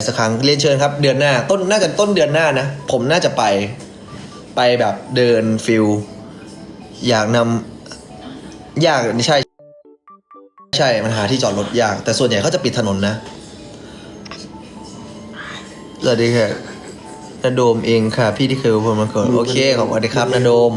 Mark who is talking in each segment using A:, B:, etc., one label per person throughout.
A: สักครั้งเรียนเชิญครับเดือนหน้าน่าจะต้นเดือนหน้านะผมน่าจะไปแบบเดินฟิลอยากนำยากใช่มันหาที่จอดรถยากแต่ส่วนใหญ่เขาจะปิดถนนนะสวัสดีค่ะนาโดมเองค่ะพี่ที่เคยพูดมาก่อนโอเคขอบคุณครับนาโดม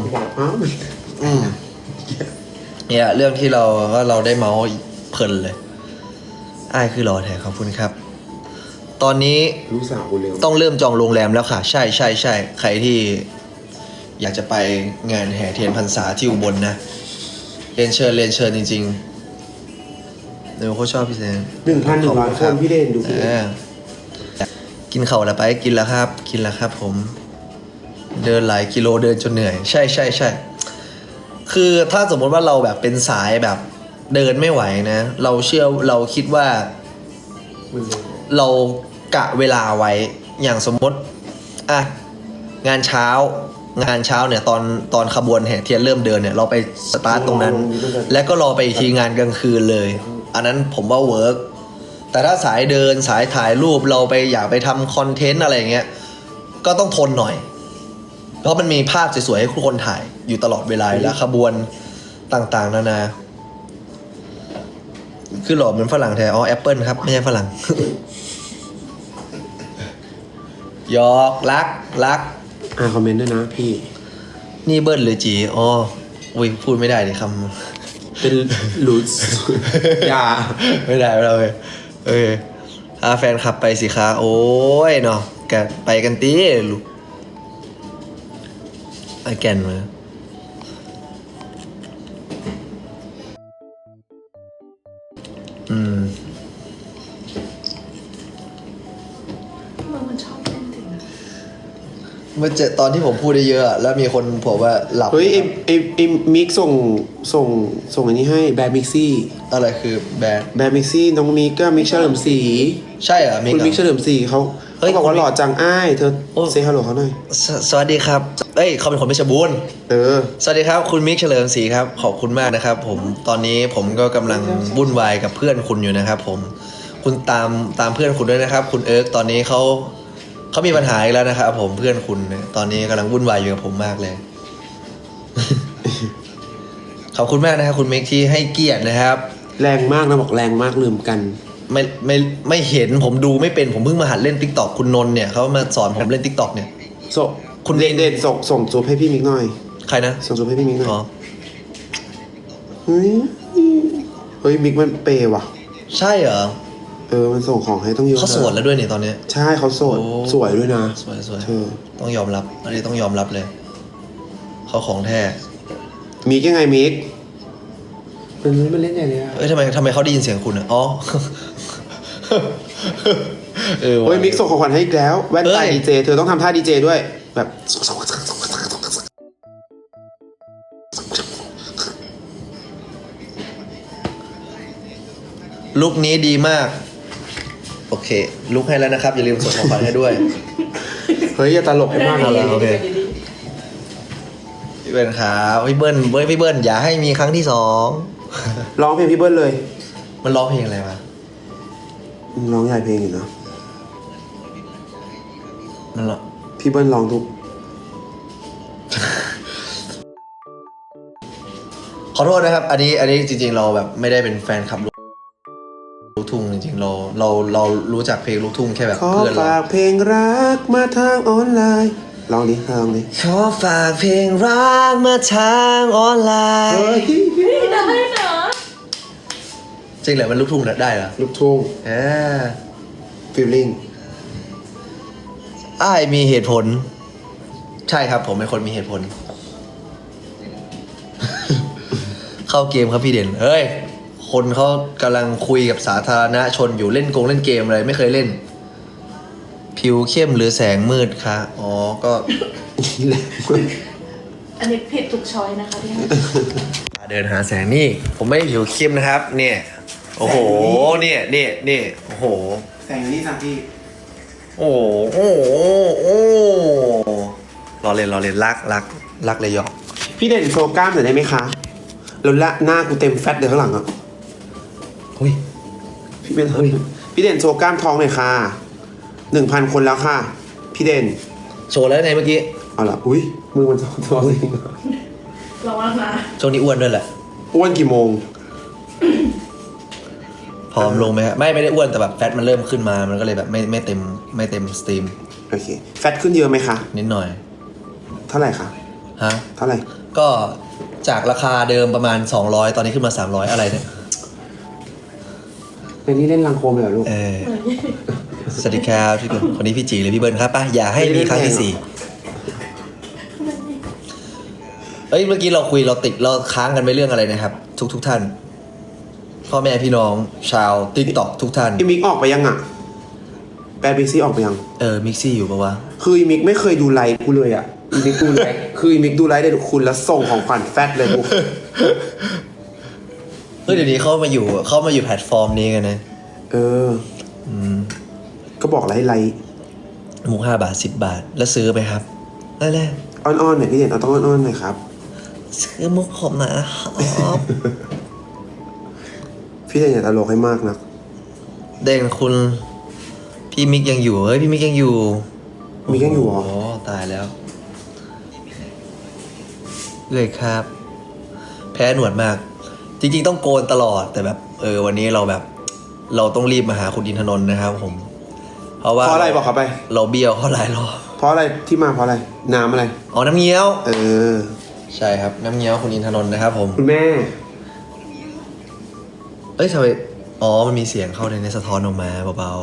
A: เนี่ยเรื่องที่เราได้เมาส์เพลินเลยอ้ายคือรอแท้ขอบคุณครับตอนนี้
B: ลูกสาวกูเร็ว
A: ต้องเริ่มจองโรงแรมแล้วค่ะใช่ใครที่อยากจะไปงานแห่เทียนพรรษาที่อุบลนะเรียนเชิญจริงๆเดี๋ยวเขาชอบพี่แซม
B: 1,100 คนพี่เด่นดูพี่
A: กินเข่าแล้วไปกินแล้วครับผมเดินหลายกิโลเดินจนเหนื่อยใช่คือถ้าสมมติว่าเราแบบเป็นสายแบบเดินไม่ไหวนะเราคิดว่าเรากะเวลาไว้อย่างสมมติอ่ะงานเช้าเนี่ยตอนขบวนแห่เทียนเริ่มเดินเนี่ยเราไปสตาร์ทตรงนั้น แล้วก็รอไปอีกทีงานกลางคืนเลยอันนั้นผมว่าเวิร์กแต่ถ้าสายเดินสายถ่ายรูปเราไปอยากไปทำคอนเทนต์อะไรเงี้ยก็ต้องทนหน่อยเพราะมันมีภาพสวยๆให้ทุกคนถ่ายอยู่ตลอดเวลาแล้วขบวนต่างๆนานาคือหล่อเหมือนฝรั่งแท้อ๋อแอปเปิลครับไม่ใช่ฝรั่ง หยอกรัก
B: คอมเมนต์ด้วยนะพี่
A: นี่เบิ้ลหรือจีอ๋ออุ้ยพูดไม่ได้เลยคำ
B: เป็นลูสอย่า
A: ไม่ได้เลยพาแฟนขับไปสิคะโอ้ยเนาะกันไปกันตีลูกไอแกนมา
C: มันชอบเล่นจริงนะ
A: เมื่อตอนที่ผมพูดได้เยอะแล้วมีคนบอกว่าหลับ
B: เฮ้ยไอมิกส่งอันนี้ให้แบดมิกซี่
A: อะไรคือแบ
B: ดมิกซี่น้องมิกก็มิกเฉลิมศรี
A: ใช่เหรอ
B: คุณมิกเฉลิมศรีเขาบอกว่าหล่อจังอ้ายเธอเซฮัลโหลเขาหน่อย
A: สวัสดีครับเขาเป็นคนเพชรบูรณ์สวัสดีครับคุณมิกเฉลิมศรีครับขอบคุณมากนะครับผมตอนนี้ผมก็กำลังวุ่นวายกับเพื่อนคุณอยู่นะครับผมคุณตามเพื่อนคุณด้วยนะครับคุณเอิร์กตอนนี้เขามีปัญหาอีกแล้วนะครับผมเพื่อนคุณตอนนี้กำลังวุ่นวายอยู่กับผมมากเลย ขอบคุณมากนะครับคุณมิกที่ให้เกียรตินะครับ
B: แรงมากนะบอกแรงมากลืมกัน
A: ไม่เห็นผมดูไม่เป็นผมเพิ่งมาหัดเล่น TikTok คุณนนท์เนี่ยเขามาสอนผมเล่น TikTok เนี่ย
B: คุณเด่นส่งจูบให้พี่มิกหน่อย
A: ใครนะ
B: ส่งจูบให้พี่มิกหน่อยเฮ้ยมิกมันเปย์ว่ะ
A: ใช่เหรอ
B: มันส่งของให้ต้องเยอะ
A: เขาโสดแล้วด้วยนี่ตอนนี้
B: ใช่เขาโสดสวยด้วยนะ
A: สวยต้องยอมรับอันนี้ต้องยอมรับเลยเขาของแท้
B: มิกยังไงมิกมันเล่นใหญ่เลยอะ
A: ทำไมเขาได้ยินเสียงคุณอ๋อ
B: โอ้ยมิกส่งของขวัญให้อีกแล้วแว่นตาดีเจเธอต้องทำท่าดีเจด้วยแบบ
A: ลุคนี้ดีมากโอเคลุคให้แล้วนะครับอย่าลืมส่งของขวัญให้ด้วย
B: เฮ้ยอย่าตลกให้มากเลย
A: โอเคพี่เบิ้ลครับพี่เบิ้ลอย่าให้มีครั้งที่2
B: ร้องเพลงพี่เบิ้ลเลย
A: มันร้องเพลงอะไรวะ
B: ร้องใหญ่เพลงอยู่นะ
A: นั่นแหละ
B: พี่เบิ้ลร้องทุก
A: ขอโทษนะครับอันนี้จริงๆเราแบบไม่ได้เป็นแฟนคลับลูกทุ่งจริงๆเรารู้จักเพลงลูกทุ่งแค่แบบเพื่อนเรา
B: ขอฝากเพลงรักมาทางออนไลน์ลองดิ
A: ขอฝากเพลงรักมาทางออนไลน์
C: ได้เหรอ
A: จริงเหรอมันลูกทุ่งได้เหรอ
B: ลูกทุ่งฟีลลิ่ง
A: อ้ายมีเหตุผลใช่ครับผมเป็นคนมีเหตุผล เข้าเกมครับพี่เด่นเฮ้ยคนเขากำลังคุยกับสาธารณชนอยู่เล่นเกมอะไรไม่เคยเล่นผิวเข้มหรือแสงมืดคะอ๋อก็
C: อันนี้ผิดทุกช้อยนะคะพี่
A: เดินหาแสงนี่ผมไม่ได้ผิวเข้มนะครับเนี่ยโอ้โหเนี่ยโอ้โห
B: แสงนี่สักพี่
A: โอ้รอเล่นรักเลยหยอก
B: พี่เด่นโชว์กล้ามหน่อยได้ไหมคะแล้วละหน้ากูเต็มแฟตเลยข้างหลังอ่ะ
A: เฮ้ย
B: พี่เด่นโชว์กล้ามท้องหน่อยค่ะ 1,000 คนแล้วค่ะ พี่เด่น
A: โชว์แล้วไงเมื่อกี้
B: เอาล่ะอุ้ยมือมันตัวจริง
C: ระวังนะ
A: ช่วงนี้อ้วนด้วยแหละ
B: อ้วนกี่โมง
A: ผอมลงไหมฮะไม่ได้อ้วนแต่แบบแฟตมันเริ่มขึ้นมามันก็เลยแบบไม่เต็มสตรีม
B: โอเค แฟตขึ้นเยอะไหมคะ
A: นิดหน่อย
B: เท่าไหร่คะ
A: ฮะ
B: เท่าไหร่
A: ก็จากราคาเดิมประมาณ200ตอนนี้ขึ้นมา300อะไรเนี่ย
B: ในนี้เล่นลังโคมเลยเหรอลูก
A: สวัสดีครับพี่คนคนนี้พี่จีหรือพี่เบิร์นครับป่ะอย่าให้มีครั้งที่สี่เอ้ยเมื่อกี้เราคุยเราค้างกันไปเรื่องอะไรนะครับ ทุกท่านพ่อแม่พี่น้องชาวติ๊กต็อกทุกท่าน
B: อีมิกออกไปยังอ่ะแปลบิ๊กซี่ออกไปยัง
A: มิกซี่อยู่ปะวะ
B: คืออีมิกไม่เคยดูไลฟ์กูเลยอ่ะ อีมิกดูไลฟ์ คืออีมิกดูไลฟ์ได้ทุกคุณแล้วส่งของขวัญแฟตเลยกู
A: เฮ้ยเดี๋ยวนี้เขามาอยู่แพลตฟอร์มนี้กันนะ
B: ก็บอกอะไรให้ไลฟ์
A: มุก5 บาท10 บาทแล้วซื้อไปครับนั่นแหละ
B: อ้อนๆหน่อยพี่เด่นเอาต้องอ้อนๆหน่อยครับ
A: ซื้อมุกผมนะครับ
B: พี่เด่นอย่าตลกให้มากนะ
A: เด่นคุณพี่มิกยังอยู่เฮ้ยพี่มิกยังอยู่
B: มิกยังอยู่เหรอ
A: โอ้ตายแล้วเลยครับ แพ้หนวดมาก จริงๆต้องโกนตลอดแต่แบบวันนี้เราแบบ เราต้องรีบมาหาคุณอินทนนท์นะครับผมเพราะว่า
B: เพราะอะไรบอกเขาไป
A: เราเบี้ยวเขาหลายรอบ
B: เพราะอะไรที่มาเพราะอะไร น้ำอะไร
A: อ๋อน้ำเงี้ยว
B: อ
A: ใช่ครับน้ำเงี้ยวคุณอินทนนท์นะครับผม
B: คุณแม่
A: เอ้ยทำไมอ๋อมันมีเสียงเข้าในสะท้อนออกมาเบา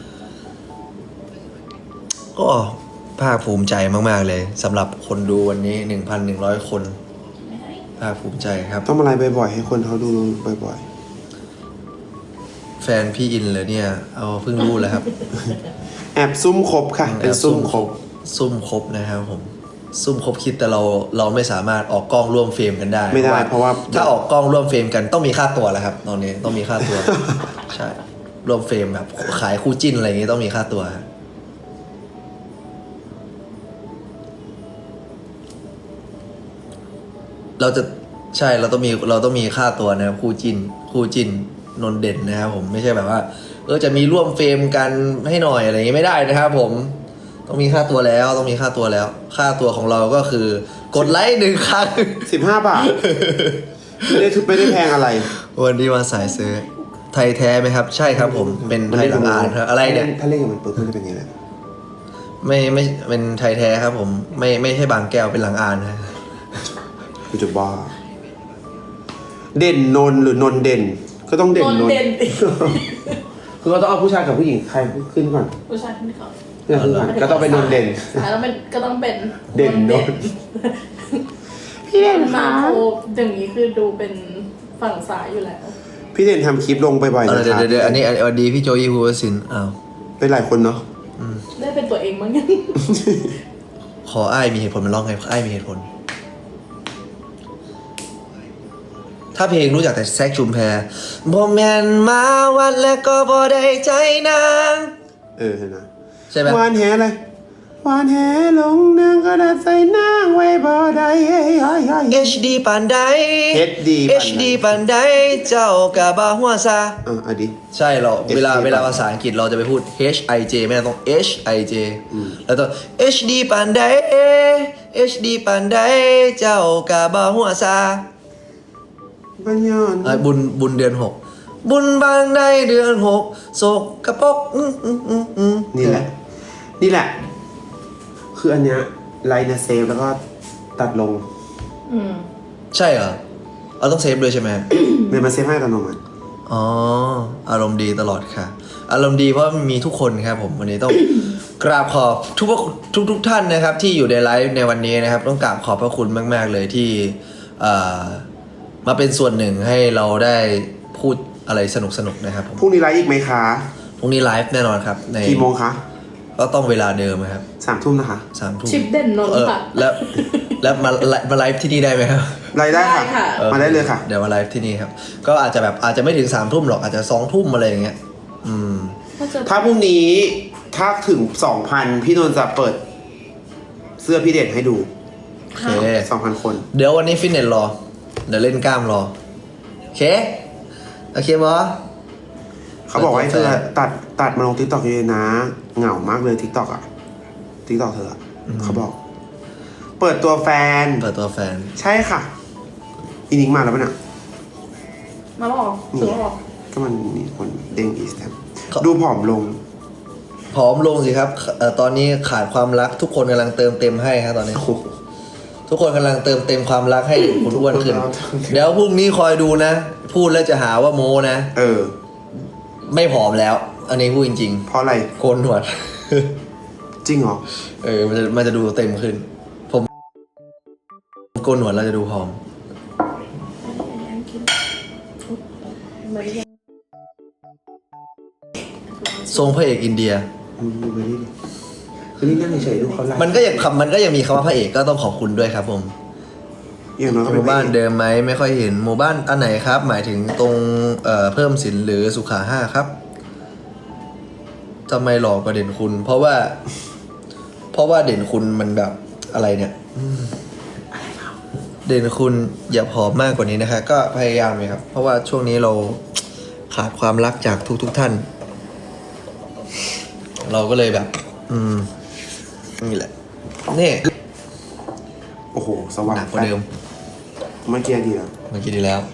A: ๆก็ภาคภูมิใจมากๆเลยสำหรับคนดูวันนี้ 1,100 คนภาคภูมิใจครับ
B: ต้องมาไลฟ์บ่อยๆให้คนเขาดูบ่อย
A: แฟนพี่อินเลยเนี่ยเอาเพิ่งรู้แล้วครับ
B: ๆ แอบซุ่มครบค่ะ เป็นซุ่มครบ
A: ซุ่มครบนะครับผมซุ่มครบคิดแต่เราไม่สามารถออกกล้องร่วมเฟรมกันได้
B: ไม่ได้เพราะว่า
A: ถ้าออกกล้องร่วมเฟรมกันต้องมีค่าตัวแล้วครับตอนนี้ต้องมีค่าตัว ใช่ร่วมเฟรมแบบขายคู่จิ้นอะไรอย่างงี้ต้องมีค่าตัวครับเราจะใช่เราต้องมีค่าตัวนะครับคู่จิ้นนนท์เด่นนะครับผมไม่ใช่แบบว่าจะมีร่วมเฟรมกันให้หน่อยอะไรอย่างงี้ไม่ได้นะครับผมต้องมีค่าตัวแล้วต้องมีค่าตัวแล้ว ค่าตัวของเราก็คือกดไลค์1 ครั้ง
B: 15 บาท ไม่ได้แพงอะไร
A: วันนี้มาสายซื้อไทยแท้ไหมครับ ใช่ครับผมเป็นไทยหลังอ่านครับอะไรเนี่ย
B: ถ้าเล่นกับมันปุ๊บมันจะเป็นยังไง
A: ไม่เป็นไทยแท้ครับผมไม่ใช่บางแก้วเป็นหลังอ่านครับ
B: กูจะบ้า เด่นนนท์หรือนนท์เด่น ก็ต้องเด่น
C: น
B: น
C: น
B: นท์
C: เด่น
B: คือก็ต้องเอาผู้ชายกับผู้หญิงใครขึ้นก่อน
C: ผู้ชายที่เขา
B: เนี่ยขึ้นก่อนก็ต้องเป็นนนท์เด่น
C: แล้วมันก็ต้องเป็น
B: เด่นนนท์ พี่เด่น
C: มา
B: คะ
C: โคอย่างนี้คือดูเป็นฝั่งซ้ายอยู่แล้ว
B: พี่เด่นทำคลิปลงบ่อยๆ
A: เอา
B: นะ
A: เดี๋ยว
B: ครับ
A: เดี๋ยวอันนี้วันดีพี่โจยี่ฮูวสินอ้าว
B: เป็นหลายคนเนาะ
C: ได้เป็นตัวเองมั้งยัง
A: ขออ้ายมีเหตุผลมันร้องไงอ้ายมีเหตุผล ถ้าเพลงรู้จักแต่แซกชุมแพบ่แม่นมาวัดแล้วก็บ่ได้ใจนาง
B: เห็นนะ
A: ใช่ไหม
B: วานแหอะไรวานแหลงนางก็ได้ใส่นางไว้บ่ได้เฮ้ย
A: HD ปานใด
B: HD
A: HD ปานใดเจ้าก็บ่หัวซา
B: อ่ะดิ
A: ใช่เรา
B: HD
A: เวลาภาษาอังกฤษเราจะไปพูด HIJ ไม่ต้อง HIJ แล้วต้อง HD ปานใด HD ปานใดเจ้าก็บ่หัวซา
B: ปัญญอน
A: บุญเดือน 6 บุญบางใดเดือน6โศกกระปก
B: นี่แหละ คืออันเนี้ยไลน์นะเซฟแล้วก็ตัดลง
A: ใช่เหรอเราต้องเซฟด้วยใช่ไหม
B: เมย์มาเซฟให้ตัดลงอ่ะ
A: อ๋ออารมณ์ดีตลอดค่ะ อารมณ์ดีเพราะมีทุกคนครับผมวันนี้ต้อง กราบขอบทุกท่านนะครับ ที่อยู่ในไลฟ์ในวันนี้นะครับ ต้องกราบขอบพระคุณมากๆเลยที่มาเป็นส่วนหนึ่งให้เราได้พูดอะไรสนุกนะครับผม
B: พรุ่งนี้ไลฟ์อีกไหมคะ
A: พรุ่งนี้ไลฟ์แน่นอนครับใน
B: กี่โมงคะ
A: ก็ต้องเวลาเดิมครับ
B: 3 ทุ่มนะคะ
A: 3 ทุ่ม
C: ชิปเด่นนนท์ค่ะ
A: แล้วมาไลฟ์ที่นี่ได้ไหมครับ
B: ไลฟ์ได้
C: ได้ค่ะ
B: ค่ะ มาได้เลยค่ะ
A: เดี๋ยวมาไลฟ์ที่นี่ครับ ก็อาจจะไม่ถึง3 ทุ่มหรอกอาจจะ2 ทุ่มอะไรอย่างเงี้ย
B: ถ้าพรุ่งนี้ถ้าถึง 2,000 พี่นนท์จะเปิด เสื้อพี่เด่นให้ดู
A: โอเค
B: 2,000 คน
A: เดี๋ยววันนี้ฟิตเนสรอ เดี๋ยวเล่นกล้ามรอ โอเคบอ
B: เขาบอกว่าให้เธอตัดมาลงทิกตอกเยอะๆนะเหงามากเลยทิกตอกอะทิกตอกเธออะเขาบอก เปิดตัวแฟน
A: เปิดตัวแฟน
B: ใช่ค่ะอีนิกมาแล้วปะเนี่ย
C: มาแล้วเหรอถึงแล้วเหรอ
B: ก็มันมีคนเด้งอีสแตม
A: เขา
B: ดูผอมลง
A: ผอมลงสิครับตอนนี้ขาดความรักทุกคนกำลังเติมเต็มให้ครับตอนนี้ ทุกคนกำลังเติมเต็มความรักให้คุณอ้วนขึ้น เดี๋ยวพรุ่งนี้คอยดูนะ พูดแล้วจะหาว่าโมนะ
B: เออ
A: ไม่ผอมแล้ว อันนี้พูดจริง
B: เพราะอะไร
A: ๆโกนหนวด
B: จริงเหรอ
A: มันจะดูเต็มขึ้น ผมโกนหนวดเราจะดูผอม
C: ไม่ได้ยัง
A: ทรงพระเอกอินเดีย
B: ดูไปนี่ดิคือนี่นั่งเฉยๆดูเขาไลฟ์
A: มันก็ยังมีคำว่าพระเอกก็ต้องขอบคุณด้วยครับผม
B: อย่างน้อยก็
A: ห
B: เป็น
A: มู่บ้านเดิมไหมไม่ค่อยเห็นหมู่บ้านอันไหนครับ หมายถึงตรงเพิ่มสินหรือสุขาห้าครับทำไมหลอกกว่าเด่นคุณ เพราะว่าเด่นคุณมันแบบอะไรเนี่ยเด่นคุณอย่าผอมมากกว่านี้นะคะก็พยายามเลยครับ เพราะว่าช่วงนี้เราขาดความรักจากทุกท่าน เราก็เลยแบบ นี่แหละนี่
B: โอ้โห สว่าง
A: หนักกว่าเดิม
B: เมื่อกี้ดีแล้ว
A: เมื่อกี้ดีแล้ว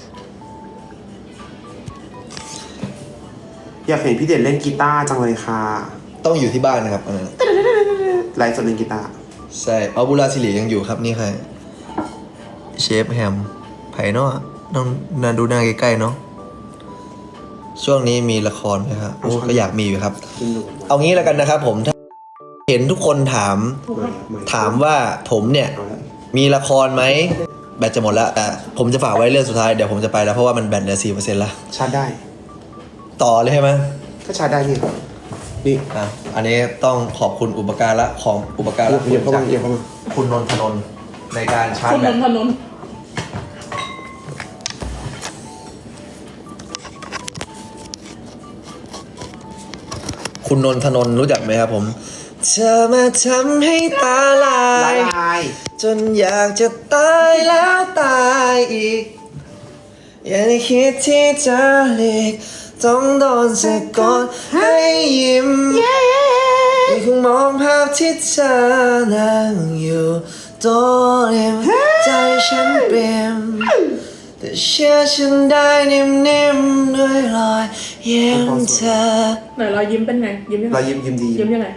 B: อยากเห็นพี่เด่นเล่นกีตาร์จังเลยค่ะ
A: ต้องอยู่ที่บ้านนะครับอันนั้น
B: ไลฟ์สดเล่นกีตาร์
A: ใช่เอาบุราสิริยังอยู่ครับนี่ใครเชฟแฮมไผ่เนาะต้องนาดูหน้าใกล้ๆเนาะช่วงนี้มีละครไหมครับโอ้ก็อยากมีอยู่ครับ
B: กินดู
A: เอางี้แล้วกันนะครับผมถ้าเห็นทุกคนถามว่าผมเนี่ย
B: เอาละ
A: มีละครไหมแบตจะหมดแล้วแต่ผมจะฝากไว้เรื่องสุดท้ายเดี๋ยวผมจะไปแล้วเพราะว่ามันแบตเหลือ 4% ละ
B: ชาร์จได้
A: ต่อเลยใช่ไหม
B: ก็ชาร์จได้นี่นี่
A: อ่ะอันนี้ต้องขอบคุณอุปการะของอุปการะ
B: เดี๋ยวเข้ามาเดี๋ยวเข้ามา
A: คุณนนทนนท์ในการชาร์
C: คุ
A: จ
C: ณ
A: แบ
C: น
A: ต
C: นทนนท์
A: คุณนนทนนท์รู้จักไหมครับผมเธอมาทำให้ตาลา
B: ละ
A: ย
B: ลาย
A: จนอยากจะตายแล้วตายอีก อย่าได้คิดที่จะหลีกต้องโดนสะกดให้ยิ้มยังคงมองภาพที่เธอนั่งอยู่โต๊ะริมใจฉันเปี่ยมแต่เชื่อฉันได้นิ่มๆด้วยรอยยิ้มเธอ
C: ไหนรอยยิ้มเป็นไง ยิ้มยังไง
B: เรายิ้มดี
C: ยิ้มยังไง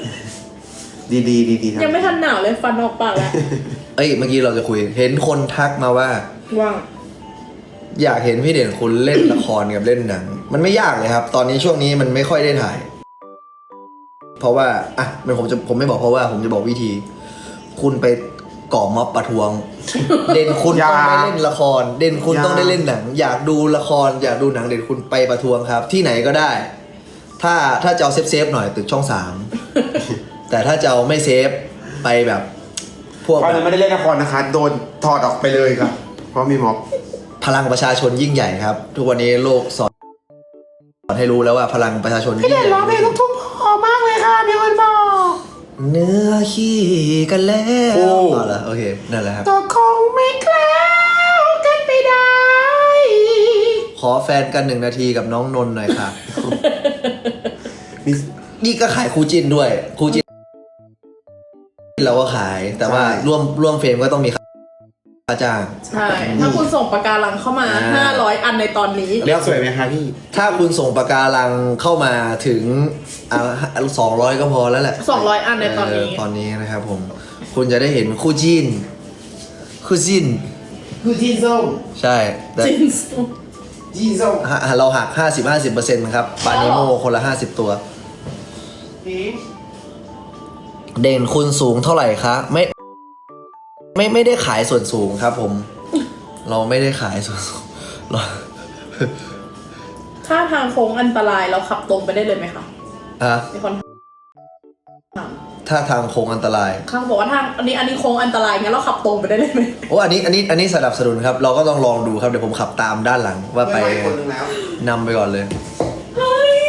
B: ดีครับ
C: ยังไม่ทันหนาวเลยฟันออกปากแล้ว
A: เอ้ยเมื่อกี้เราจะคุยเห็นคนทักมาว่า
C: ว่าง
A: อยากเห็นพี่เด่นคุณเล่นละครกับเล่นหนัง มันไม่ยากเลยครับ ตอนนี้ช่วงนี้มันไม่ค่อยได้ถ่าย เพราะว่าอ่ะผมไม่บอกเพราะว่าผมจะบอกวิธี คุณไปก่อม็อบประท้วง เด่นคุณต้องได้เล่นละคร เด่นคุณต้องได้เล่นหนัง อยากดูละคร อยากดูหนังเด่นคุณไปประท้วงครับ ที่ไหนก็ได้ ถ้าจะเอาเซฟหน่อยตึกช่อง 3 แต่ถ้าจะเอาไม่เซฟไปแบบพวก
B: ตอน
A: แบ
B: นั้น
A: บ
B: ไม่ได้เล่นละครนะคะ โดนถอดออกไปเลยครับ เพราะมีม็อบ
A: พลังประชาชนยิ่งใหญ่ครับ ทุกวันนี้โลกสอนให้รู้แล้วว่าพลังประชาชนยิ่งใหญ่
B: พอมากเลยค่ะมีคนบอก
A: เนื้อขี้กันแล้ว
B: โอ้
A: เอาละโอเคนั่นแหละครับ
B: ตัวคงไม่แคล้วกันไปได้
A: ขอแฟนกัน1 นาทีกับน้องนนท์หน่อยค่ะ
B: มี
A: นี่ก็ขายคู่จิ้นด้วยคู่จิ้นเราก็ขาย แต่ว่า
B: ใช่
A: ร่วมเฟรมก็ต้องมีค่าจ้าง
C: ใช่ ถ้าคุณส่งปากการังเข้ามา 500 อันในตอนนี้
B: แล้วสวยไหมคะพี่
A: ถ้าคุณส่งปากการังเข้ามาถึง200 ก็พอแล้วแหละ
C: 200 อันในตอนนี้
A: ตอนนี้นะครับผม คุณจะได้เห็นคู่จิ้นคู่จิ้น
B: คือจีนส้ม
A: ใช่แต่
C: จินส์
B: จีนส้ม
A: เราหัก 50% นะครับปานิโมคนละ 50 ตัว
B: นี่
A: เด่นคุณสูงเท่าไหร่คะไม่ได้ขายส่วนสูงครับผม เราไม่ได้ขายส่วนสูงเรา
C: ถ้าทางโค้งอันตรายเราขับตรงไปได้เลยไหมคะ
A: อ่ะ
C: มีคนถาม
A: ถ้าทางโค้งอันตราย
C: ข้างบอกว่าทางอันนี้โค้งอันตรายงั้นเราขับตรงไปได้เลยไหม
A: โอ้อันนี้สนับสนุนครับ เราก็ต้องลองดูครับเดี๋ยวผมขับตามด้านหลังว่าไป
B: ม่คนนึงแล้ว
A: นำไปก่อนเลย
C: เฮ้ย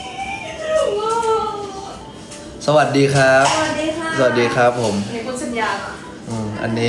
A: สวัสดีครับ
C: สวัสดีค่ะ
A: สวัสดีครับผม
C: มีคุณสัญญาค่ะ
A: อันนี้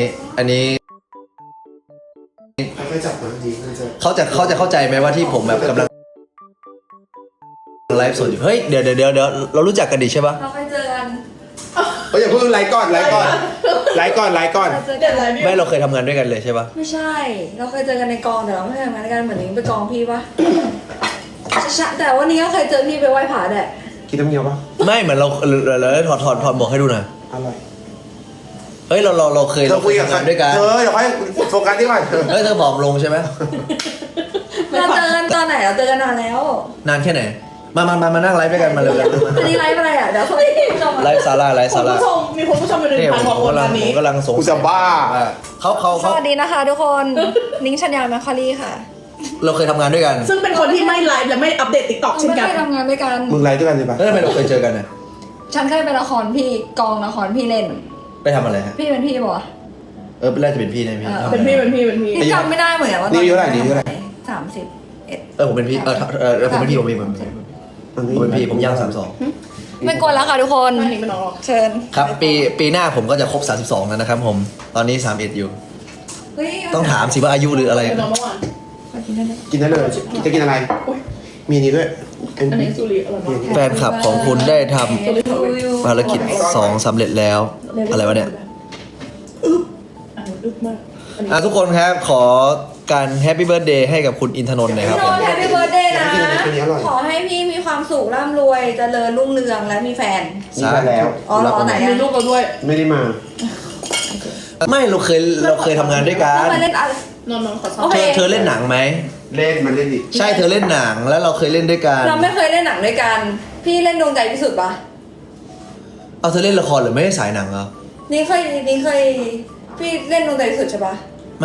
B: ค่อยๆจับนะดีน่าจะ
A: เขาจะเข้าใจไหมว่าที่ผมแบบกำลังไลฟ์สดอยู่เฮ้ยเดี๋ยวเรารู้จักกันดีใช่ปะ
D: เราเคยเจอกัน
B: อย่าเพิ่งไลฟ์ก่อน
D: เราเจอกัน
A: ไม่เราเคยทำงานด้วยกันเลยใช่ปะ
D: ไม่ใช่ เราเคยเจอกันในกองแต่เราไม่เคยทำงานด้วยกันเหมือนนิ้งไปกองพี่ปะใช่แต่วันนี้ก็เคยเจอพี่ไปไหว้ผาแดด
B: กินน้ำเงี้ยวปะ
A: ไม่เหมือนเราถอดหมวกให้ดูหน่อย
B: อร่อย
A: เฮ้ยเราเคย
B: เธอคุยกับ
A: ทำงานด้วยกัน
B: เธอเดี๋ยวค่อยโฟกัสที่ก่อนเธอ
A: เฮ้ยเธอผอมลงใช่ไหม
D: เราเจอกันตอนไหนเราเจอกันนานแล้ว
A: นานแค่ไหนมานั่งไลฟ์ด้วยกันมาเลย
D: อันนี้ไลฟ์อะไรอ่ะเดี๋ยวเขาชม
A: ไลฟ์ซาร่า
C: คุณผู้ชมมีคุณผู้ชมเป็น
A: เนี่ย
C: 1,000 กว่า
A: ผม
C: คน
A: กำลั
C: วั
A: ง
C: นนี้
A: ผมกำลังสง
B: กู
A: สั
B: จะ
A: ย
B: บ้า
A: ว่าเขา
D: สวัสดีนะคะทุกคน นิ้งชัญญาแมคคารีค่ะ
A: เราเคยทำงานด้วยกัน
C: ซึ่งเป็นคนที่ไม่ไลฟ์และไม่อัปเดตติ๊กต็อก
D: เรา
C: เช่น
D: ไม่
C: กัน
D: เคยทำงานด้วยกัน
B: มึงไลฟ์ด้วยกันเลยปะ
A: แล้วทำไมเราเคยเจอกันเนี่ย
D: ฉันเคยไปละครพี่กองละครพี่เล่น
A: ไปทำอะไรฮะ
D: พี่เป็นพี่บอก
A: น่าจะเป็นพี่นะพี่
C: เป็นพี่เป็นพี่เป็นพี่
D: พี่จำไม่ได้เหมือนกันว่า
B: นี่อายุเท่าไหร่นี่อายุเท่าไหร่
D: 31
A: ผมเป็นพี่ผมเป็นพี่ผมเป็นพี่ผมย่าง32
D: ไม่กวนแล้วค่ะทุกคน
C: อันนี้ไม่น้องหรอก
D: เชิญ
A: ครับปีหน้าผมก็จะครบ32แล้วนะครับผมตอนนี้31อยู่
D: เฮ้ย
A: ต้องถามสิว่าอายุหรืออะไร
C: เป็นน้องเมื่อวาน
B: กินได้เลย จะกินอะไร
C: อุ๊ย
B: มีนี้ด้วย
C: อันนี้ซูริอร่อยมาก
A: แฟนคลับของคุณได้ท
C: ซูริของเวท
A: ำภารกิจ2สำเร็จแล้ว อะไรวะเนี่ย
C: อันนี้อึดมากอันนี้
A: ทุกคนครับขอการแฮปปี้เบิร์ดเดย์ให้กับคุณอินทนนท์หน่อยครับ
D: พี่โน
A: ผม
D: แฮปปี้เบิร์ดเดย์นะ
B: อันนี้อร่อย
D: ขอให้พี่มีความสุขร่ำรวยเจริญรุ่งเรืองและมีแฟน
B: นี่ไปแล้ว
D: อ๋อเหรอไหน
C: มี
D: อะ
C: ลูกเราด้วย
B: ไม่ได้มา
A: ไม่เราเคยทำงานด้วยกัน
D: เรามาเล่นอะไร
C: นอนขอซ้อ
D: โอ
C: ม
D: เค
A: เธอเล่นหนังไหม
B: เล่นมันเล่นดิ
A: ใช่เธอเล่นหนังแล้วเราเคยเล่นด้วยกัน
D: เราไม่เคยเล่นหนังด้วยกัน พี่เล่นดวงใจพิสุทธิ์ปะ
A: เอาเธอเล่นละครหรือไม่ได้สายหนังเหรอ
D: นี่เคยพี่เล่นดวงใจพิสุทธิ์ใช่ปะ
A: ไม่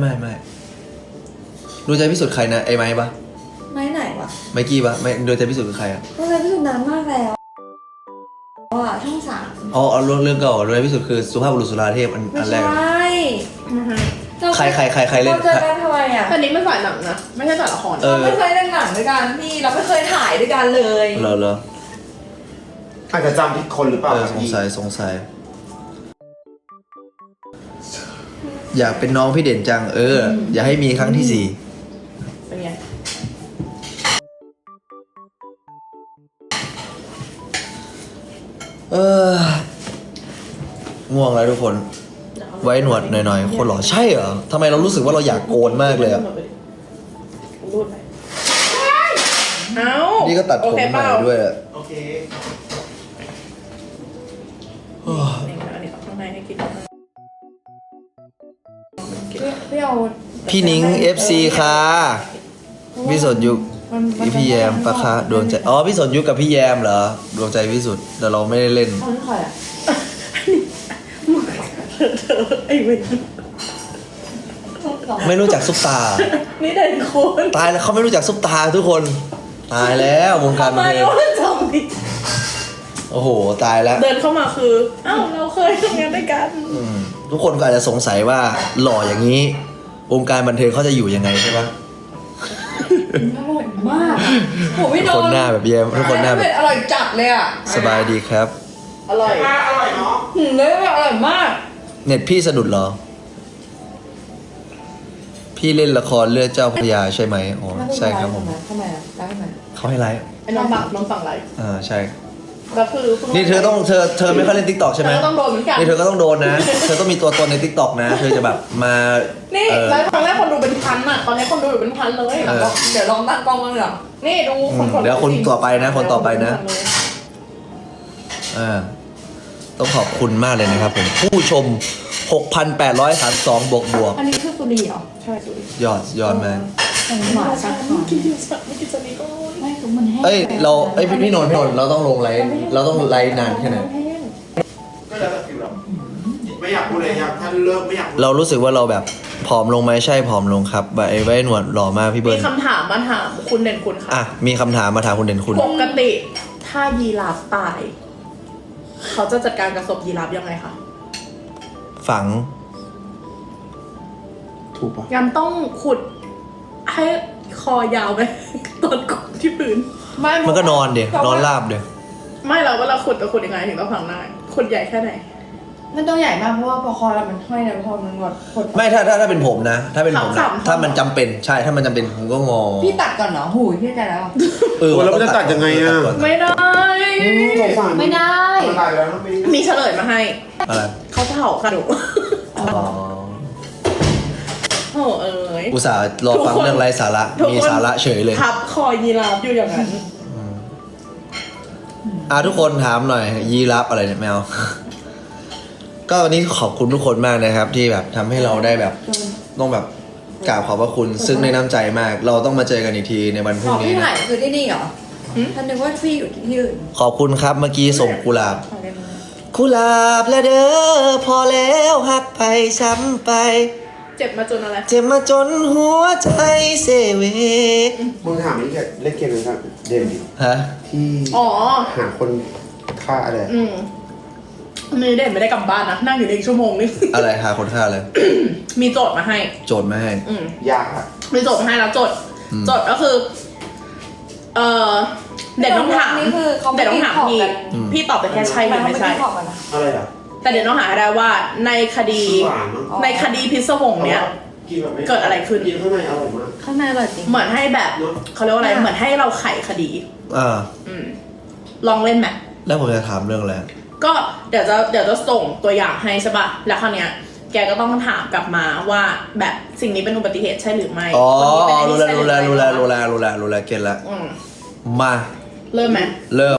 A: ดูใจพิสุทธิ์ใครนะไอ้ไม้ปะ
D: ไม่ไหนวะ
A: ไมกี้ปะไม่ดูใจพิสุทธิ์คือใครอ่ะ
D: ดวงใจพิสุทธิ์นานมากแล้วอ่ะช่อง3
A: อ๋อเอาเรื่องเก่าดูใจพิสุทธิ์คือสุภาพบุรุษสุราเทพอั
D: ไม่
A: นแร
D: ใช่
A: กใครเล่น
D: เราเจอกันทำไมอ่ะ
C: อันนี้ไม่ฝ่ายหนังนะ ไม่ใช่ฝ่ายละคร
D: เราไม่เคยเล่นหนังด้วยกันพี่เราไม่เคยถ่ายด้วยกันเลย
A: เหรอ
B: อาจจะจำผิดคนหรือเปล่า
A: สงสัยอยากเป็นน้องพี่เด่นจังอย่าให้มีครั้งที่
C: เป็นไง
A: 4ง่วงแล้วทุกคน ไว้หนวดหน่อยๆคนหล่อใช่เหรอทำไมเรารู้สึกว่าเราอยากโกนมากเลยอะ
C: รูดไปเอ้า
A: นี่
C: นี่
A: ก็ตัดผมใหม่ด้วยอะ
B: โอเค
C: อันนี้ข้างในให้กิน
D: พี่เอา
A: พี่นิ้ง FC ค่ะพี่สนยุคพี่แยมปะคะดวงใจอ๋อพี่สนยุคกับพี่แยมเหรอดวงใจพิสุทธิ์แต่เราไม่ได้เล่น
C: อ๋อนี่ใครอ่ะเธอไอ้เวน
A: ไม่รู้จักซุปตา
C: นี่เด่นคุณ
A: ตายแล้วเขาไม่รู้จักซุปตาทุกคนตายแล้ววงการบัน
C: ไม่
A: เทิง
C: ว่าจำดิ
A: โอ้โหตายแล้ว
C: เดินเข้ามาคือ เอ้าเราเคยทำงานด้วยกัน
A: ทุกคนก็อาจจะสงสัยว่าหล่ออย่างนี้ วงการบันเทิงเขาจะอยู่ยังไงใช่ปะ
D: อร่อยมากโหพี่โน
A: คนหน้าแบบแยมทุกคนหน้าแบบ
D: อร่อยจัดเลยอ่ะ
A: สบายดีครับ
C: อร่อย
B: อร่อยเนาะ
D: เลยอร่อยมาก
A: เน็ตพี่สะดุดเหรอ พี่เล่นละครเลือดเจ้าพระยาใช่ไหมอ๋อใช่ครับผม
D: ทำไมอ่ะได้ไหม
A: เขาให้ไลฟ์
C: ไอ้น้องฝั่งไร
A: ใช่
C: แล้วคือ
A: นี่เธอไม่ค่อยเล่นทิกตอกใช่ไหม
C: เธอต้องโดนเหมือนกัน
A: นี่เธอก็ต้องโดนนะ เธอต้องมีตัวตนในทิกตอกนะ เธอจะแบบมา
C: นี่ไลฟ์ครั้งแรกคนดูเป็นพันอ่ะ ตอนนี้คนดูอยู่เป็นพันเลย
D: เดี๋ยวลองตั้งกล้องบ้างเหรอ
C: นี่ดูคน
A: เดี๋ยวคนต่อไปนะคนต่อไปนะต้องขอบคุณมากเลยนะครับผม ผู้ชม 6,832 บวก
D: อันนี้คือสุรีเหรอ
C: ใช่สุด
A: ยอดมาก
D: อันนี้หวานชัด
C: กินเยอะสักไม่กินสนีก็
D: ไม่คือมันแห้ง
A: เอ้ยพี่นนท์เราต้องลงไลฟ์เราต้องไลฟ์นานแค่ไหน
B: ก็แล้วแต่ฟิลเราไม่อยากพูดเลยอยากถ้าเลิกไม่อยากพูด
A: เรารู้สึกว่าเราแบบผอมลงไหมใช่ผอมลงครับไว้หนวดหล่อมากพี่เบิ
C: มี
A: ร์น
C: คำถามมาถามคุณเด่นคุณค่ะ
A: มีคำถามมาถามคุณเด่นคุณ
C: ปกติถ้ายีราฟตาย เขาจะจัดการกับศพยีราฟยังไงคะ
A: ฝัง
B: ถูกปะ
C: งั้นต้องขุดให้คอยาวไป ตอนขุดที่พื้น
A: มันก็นอนเดี๋ยนอนราบเดี๋ย
C: ไม่เราว่าเราขุดจะขุดยังไงถึงต้องฝังได้ขุดใหญ่แค่ไหน
D: มันต้องใหญ่มากเพราะว่าพอคอเรามันห้อยเนี่ยพอมันงดกด
A: ไม่ถ้าเป็นผมนะ ถ้าเป็นผม
C: สา
A: นะ
C: ม
A: ถ้ามันจำเป็นใช่ถ้ามันจำเป็นผมก็งอ
D: พี่ตัดก่อนเหรอหูยพี่ใจแล้ว
B: แล้วมันจะตัดยังไงอะ
A: ตัดก่น
C: ไม่ได้
B: สงสาร
D: ไม่ได้
B: มันตายแล้วไม่ได้
C: มีเฉลยมาให้
A: อะไร
C: เขาเผาค่ะหนู
A: อ๋อ
C: โอ้เอ๋ย
A: อุตส่าห์รอฟังเรื่องไร้สาระ
C: ทุกคน
A: มีสาระเฉยเลย
C: ทับคอยีราฟอยู่อย่างนั้น
A: ทุกคนถามหน่อย ยีรับอะไรเนี่ยแมว ก็วันนี้ขอบคุณทุกคนมากนะครับ ที่แบบทำให้เราได้แบบต้องแบบกราบขอบพระคุณ ซึ่งในน้ำใจมาก เราต้องมาเจอกันอีกทีในวันพรุ่
D: อ๋
A: ง
D: อ
A: นี้
D: พี่
A: นะ
D: ถ่ายคือที่นี่เหรอ
C: หืม
D: ท่านนึกว่าพี่อยู่ที่อื่น
A: ขอบคุณครับเมื่อกี้ส่งกุหลาบ กุหลาบและเด้อพอแล้วหักไปช้ำไป
C: เจ็บมาจนอะไร
A: เจ็บมาจนหัวใจเสเว
B: มึงถามนี่แกเล่นเกมเลยครับเดนดิ
A: ฮะ
B: ที่
C: อ๋อ
B: หาคนฆ่าอะไร
C: นี่เด่นไม่ได้กลับบ้านนะ นั่งอยู่ในอีกชั่วโมงนึง
A: อะไรหาคนฆ่าเลย
C: มีโจทย์มาให้
A: โจทย์มาให้
C: อืม
B: ยากอะ
C: มีโจทย์มาให้แล้วโจทย์
A: อืม
C: โจทย์ก็คือ เด่นต้องถาม
D: นี่คือเขาไม่
C: เด่นต้องถาม
D: ได้
C: พี่
D: ขอกัน
C: พี่ตอบไปแค่ใช่หรือไม่ใช่
D: ขอบกันนะ
B: อะไรอะ
C: แต่เดี๋ยวต้องหาให้ได้ว่าในคดี
B: หวานมั้ง
C: ในคดีพิศวงเนี้ย
B: กินแบบม่
C: เกิดอะไรขึ้น
B: กินข้างในอร่อยมาก
D: ข้างในอร่อยจริง
C: เหมือนให้แบบเขาเรียกว่าอะไร เหมือนให้เราไขคดี
A: อ่า
C: อืม ลองเล่นไหม
A: แล้วผมจะถามเรื่องอะไร
C: ก็เดี๋ยวจะส่งตัวอย่างให้ใช่ป่ะ แล้วคราวเนี้ย แกก็ต้องถามกลับมาว่าแบบสิ่งนี้เป็นอุบัติเหตุใช่หรือไม่
A: อ๋อ
C: คนนี้เป็นไอ้
A: รู้
C: นี่
A: แล้ว
C: ใช่ห
A: รู้
C: อ
A: แล้ว
C: ไม่
A: รู้แล้วรู้แล้วรู้แล้วรู้แล้วเก็ตแล้ว
C: อืม
A: มา
C: เริ่มไหม
A: เริ่ม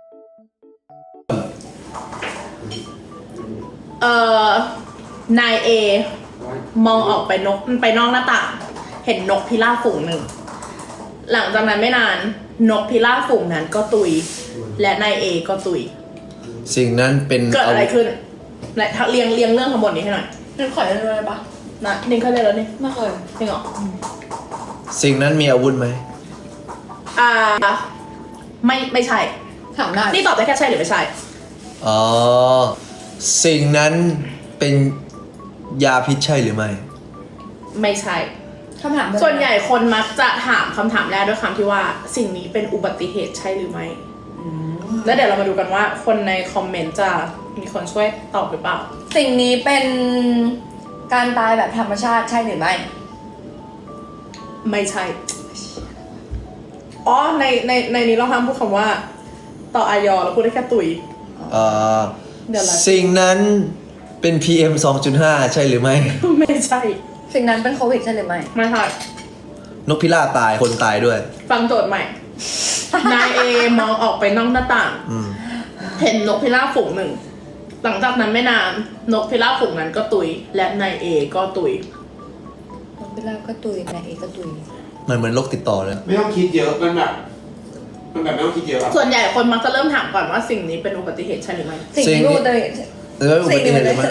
C: นายเอมองออกไปไปนอกหน้าต่าง เห็นนกพิราบฝูงหนึ่ง หลังจากนั้นไม่นานนกพิราบฝูงนั้นก็ตุย และนายเอก็ตุย
A: สิ่งนั้นเป็น
C: เกิดอะไรขึ้นและเรียงเรื่องทั้งหมดนี้ให้หน่อย
D: นึกขอได้เลยปะ
C: นะนิ่งเคยเรียนแล้วนี่
D: ไม่เคย
C: จริงเหรอ
A: สิ่งนั้นมีอาวุธไหม
C: ไม่ใช่
D: ถามได้
C: นี่ตอบได้แค่ใช่หรือไม่ใช่
A: อ๋อ สิ่งนั้นเป็นยาพิษใช่หรือไม่
C: ไม่ใช่
D: คำถามเดิม
C: ส่วนใหญ่คนมักจะถามคำถามแรกด้วยคำที่ว่าสิ่งนี้เป็นอุบัติเหตุใช่หรือไม่
D: อืม
C: แล้วเดี๋ยวเรามาดูกันว่าคนในคอมเมนต์จะมีคนช่วยตอบหรือเปล่า
D: สิ่งนี้เป็นการตายแบบธรรมชาติใช่หรือไม่
C: ไม่ใช่ อ๋อในนี้เราห้ามพูดคำว่า ต่ออายอเราพูดได้แค่ตุย เดี๋ยวละ
A: สิ่งนั้นเป็น PM 2.5 ใช่หรือไม่
C: ไม่ใช่
D: สิ่งนั้นเป็นโควิดใช่หรือไม่
C: ไม่ใช่
A: นกพิราบตายคนตายด้วย
C: ฟังโจทย์ใหม่ นายเอมองออกไปนอกหน้าต่าง
A: อืม
C: เห็นนกพิราบฝูงหนึ่ง หลังจากนั้นไม่นานนกพิราบฝูงนั้นก็ตุย และนายเอก็ตุย
D: นกพิราบก็ตุยนายเอกก็ตุย
A: เหมือนโรคติดต่อเลย
B: ไม่ต้องคิดเยอะมันแบบไม่ต้องคิดเยอะอะ
C: ส่วนใหญ่คนมักจะเริ่มถามก่อนว่าสิ่งนี้เป็นอุบัติเหตุใช่หรือไม่
D: สิ่งที่พูดเลย
A: หรือว่าอุบัติเหตุหรือไม่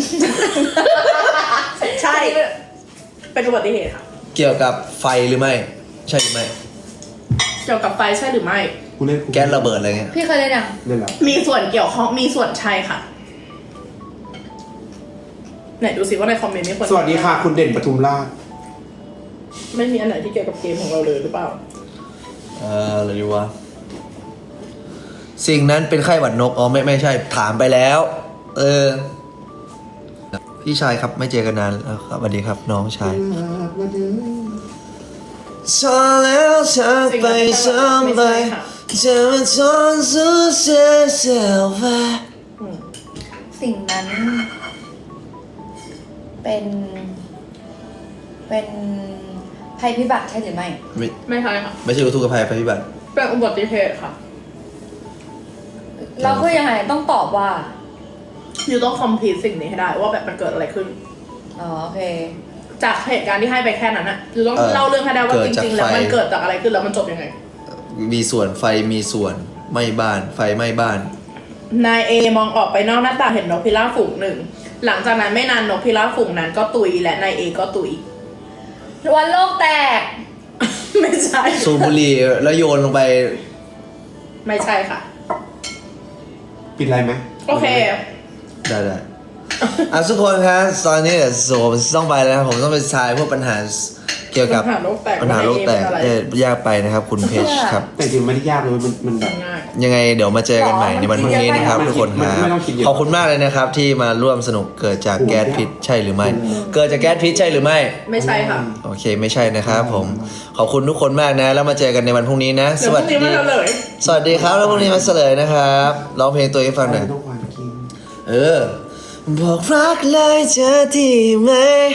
C: ใช่ เป็นอุบัติเหตุค่ะ
A: เกี่ยวกับไฟหรือไม่ ใช่หรือไม่
C: เกี่ยวกับไฟใช่หรือไม่
B: กูเล่น
A: แก๊สระเบิดอะไรเงี้ย
D: พี่เคยได้ยัง
B: เล่นแล้ว
C: มีส่วนเกี่ยวข้องมีส่วนใช่ค่ะ ไหนดูสิว่าในคอมเมนต์มีคน
B: สวัสดีค่ะ คุณเด่นปทุมราช
C: ไม่มีอันไหนที่เกี่ยวกับเกมของเราเลยหรือเปล่า
A: อะไรดีวะ สิ่งนั้นเป็นไข้หวัดนก อ๋อไม่ใช่ ถามไปแล้ว พี่ชายครับไม่เจอกันนานแล้วครับสวัสดีครับน้องชายชอแล้วจากไปซ้ำไปจะมาทนสู้เสียเสียไป
D: สิ่งนั้น เป็นภัยพิบัติใช่หรือไม่
C: ไม่ใช่ค่ะ
A: ไม่ใช่อุทกภัยภัยพิบัติ
C: เป็นอุบัติเหตุค่ะ
D: เราคือยังไงต้องตอบว่า
C: อยู่ต้องคอมพลีทสิ่งนี้ให้ได้ว่าแบบมันเกิดอะไรขึ้น
D: อ๋อโอเค
C: จากเหตุการณ์ที่ให้ไปแค่นั้นอะอยู่ต้องเล่าเรื่องให้ได้ว่าจริงๆแล้วมันเกิดจากอะไรขึ้นแล้วมันจบยังไง
A: มีส่วนไฟมีส่วนไหม้บ้านไฟไหม้บ้าน
C: นายเอมองออกไปนอกหน้าต่างเห็นนกพิราบฝูงหนึ่ง หลังจากนั้นไม่นานนกพิราบฝูงนั้นก็ตุยและนายเอก็ตุย
D: วันโลกแตก
C: ไม่ใช่
A: สูบบุหรี่แล้วโยนลงไป
C: ไม่ใช่ค่ะ
B: ปิดอะไรไหม
C: โอเค
A: ได้ทุกคนครับตอนนี้เดี๋ยวผมต้องไปแล้วครับผมต้องไปทายพวกปัญหาเกี่ยวกับ
C: ปัญหาโลกแตก
A: ปัญหาโลกแตก
C: ว่า NA เป็นอะไร
A: ยากไปนะครับ คุณเพชรครับ
B: แต่จริงไม่ได้ยากเลยมันแบบ
C: ง่าย
A: ยังไงเดี๋ยวมาเจอกันใหม่ในวันพรุ่งนี้นะครับทุกคนครับขอบคุณมากเลยนะครับที่มาร่วมสนุกเกิดจากแก๊สพิษใช่หรือไม่ เกิดจากแก๊สพิษใช่หรือไม่
C: ไม่ใช่ค่ะ
A: โอเคไม่ใช่นะครับผมขอบคุณทุกคนมากนะแล้วมาเจอกันในวันพรุ่งนี้นะ
C: เดี๋ยวพรุ่งนี้มาเลย
A: สวัสดีครับแล้วพรุ่งนี้มาเฉลยนะครับร้องเพลงตัวเองให้ฟังหน่อย
B: ทุกวันกิน
A: บอกรักเลยจะดีไหม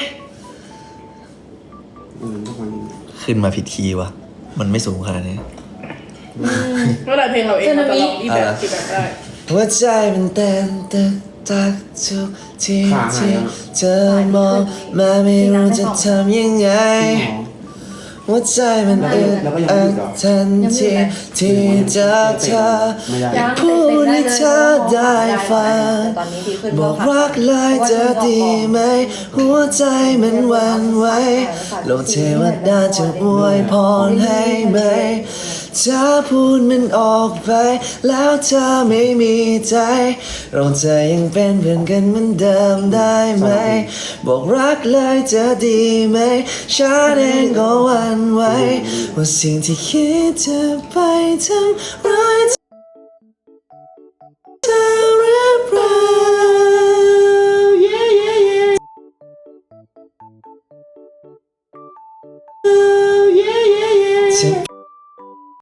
B: ทุกวันนี้
A: ขึ้นมาผิดคีย์วะมันไม่สูงขนาดนี้
C: เมื่อไรเพลงเราเองเราจะลองอีแบบกี่แบบได้
A: หัวใจมันเต้นตึกตักทุกทีที่เธอมองมาไม่รู้จะทำยังไง หัวใจมันอึดอัดทันทีที่เจอเธออยากพูดให้เธอได้ฟังบอกรักเลยจะดีไหมหัวใจมันหวั่นไหวโลกเทวดาจะอวยพรให้ไหมถ้าพูดมันออกไปแล้วเธอไม่มีใจเราจะยังเป็นเพื่อนกันเหมือนเดิมได้ไหมบอกรักเลยจะดีไหมฉันเองก็หวั่นไหวว่าสิ่งที่คิดจะไปทำร้ายเธอหรือเปล่า yeah, yeah, yeah.